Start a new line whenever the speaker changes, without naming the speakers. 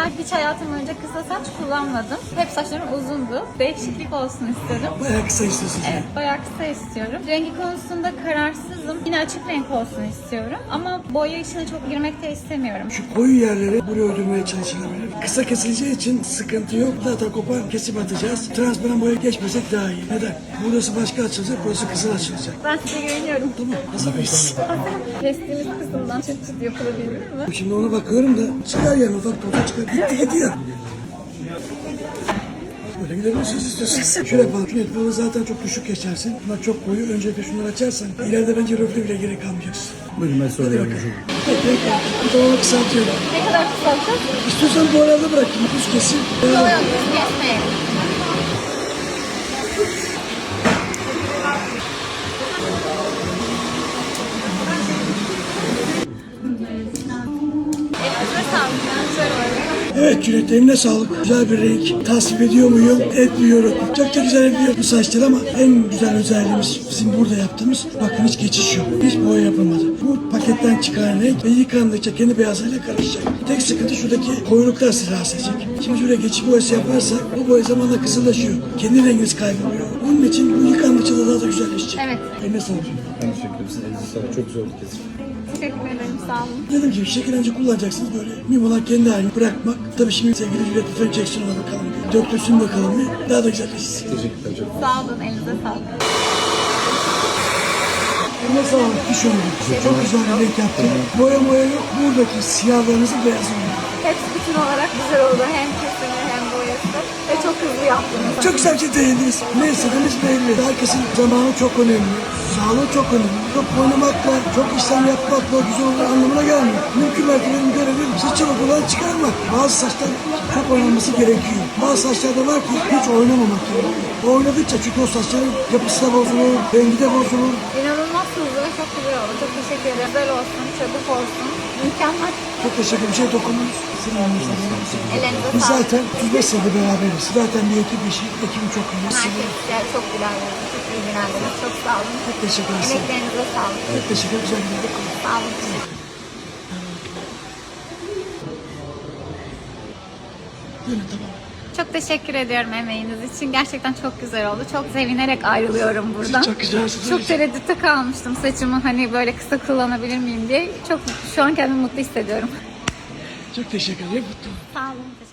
Ben hiç hayatım boyunca kısa saç kullanmadım. Hep saçlarım uzundu. Değişiklik olsun istedim.
Bayağı kısa istiyorsun.
Evet, bayağı kısa istiyorum. Rengi konusunda kararsızım. Yine açık renk olsun istiyorum. Ama boya işine çok girmek de istemiyorum.
Şu koyu yerleri buraya öldürmeye çalışılabilir. Kısa kesileceği için sıkıntı yok. Zaten kopar kesip atacağız. Transparan boya geçmesek daha iyi. Neden? Burası başka açılacak, burası kızıl açılacak.
Ben size güveniyorum.
Tamam, hazır mıyız?
Kestiğimiz kısımdan çıt çıt yapılabilir mi?
Şimdi ona bakıyorum da çıkar yani ufak topa çıkar. Gitti gidiyor. Böyle gidebilirsiniz istiyorsan. Şöyle yapalım. Şu netbolu zaten çok düşük geçersin. Bunlar çok koyu. Öncelikle şunları açarsan ileride bence röfle bile gerek kalmayacaksın.
Buyurun ben soruyorum.
Bu tamamen kısaltıyorum.
Ne kadar kısaltacağız?
İstiyorsan bu arada bırakayım. Düz kesin.
Yok yok, biz kesmeyelim. Elinize sağlık. Güzel oldu.
Evet Cüneyt, eline sağlık. Güzel bir renk. Tasvip ediyor muyum? Etmiyorum. Çok da güzel ediyor bu saçlar ama en güzel özelliğimiz bizim burada yaptığımız, bakın hiç geçiş yok. Hiç boya yapılmadı. Bu paketten çıkan renk ve yıkandıkça kendi beyazlarıyla karışacak. Tek sıkıntı şuradaki koyuluklar sizi rahatsız edecek. Şimdi şuraya geçiş boyası yaparsak bu boya zamanla kızıllaşıyor. Kendi renginiz kayboluyor. Onun için bu yıkandıkça da daha da güzelleşecek.
Evet.
Eline sağlık.
Ben teşekkür ederim. Sizin elinize sağlık. Çok güzel oldu kesin.
Teşekkür ederim. Sağ olun.
Dediğim gibi şekillenince kullanacaksınız böyle. Mühim olan kendi halini bırakmak. Tabii şimdi sevgili Juliet lütfen Jackson'a bakalım. Döktürsün bakalım bir. Daha da güzelleşsin.
Teşekkürler çok.
Sağ olun. Elinize sağlık.
Eline sağlık. Düş önüne. Çok güzel bir renk yaptın. Boya yok. Buradaki siyahlarınızın beyazı oldu.
Hepsi bütün olarak güzel oldu. Hem kesimi hem boyası. Ve çok hızlı yaptınız.
Çok güzel bir şey değindiniz. Ne istediğiniz belli. Herkesin zamanı çok önemli. Sağlığı çok önemli. Çok oynamakla, çok işlem yapmakla güzel olur anlamına gelmiyor. Mümkün mertebenin görevi sizi çabuk olan çıkarmak. Bazı saçlar çok oynanması gerekiyor. Bazı saçlarda var ki hiç oynamamak gerekiyor. Oynadıkça çünkü o saçların yapısı da bozulur, rengi de bozulur.
İnanılmaz hızlı ve çok güzel oldu. Çok teşekkür ederim. Güzel olsun, çabuk olsun. Mükemmel.
Çok teşekkür ederim. Bir şey dokundunuz.
Ellerinize
Biz
sağlık.
zaten 35 senedir beraberiz. Zaten bir ekip işi. Ekibim çok iyi.
Herkes yani çok gülerlerdi. Çok ilgilendiniz. Çok sağ olun.
Çok teşekkür ederim.
Emeklerinize sağlık.
Çok teşekkür ederim. Güzel bir yerde
Sağ olun.
Böyle tamam.
Çok teşekkür ediyorum emeğiniz için. Gerçekten çok güzel oldu. Çok sevinerek ayrılıyorum buradan.
Çok güzelsiniz.
Çok tereddütte kalmıştım saçımı hani böyle kısa kullanabilir miyim diye. Çok şu an kendimi mutlu hissediyorum.
Çok teşekkür ederim. Mutlu.
Sağ olun.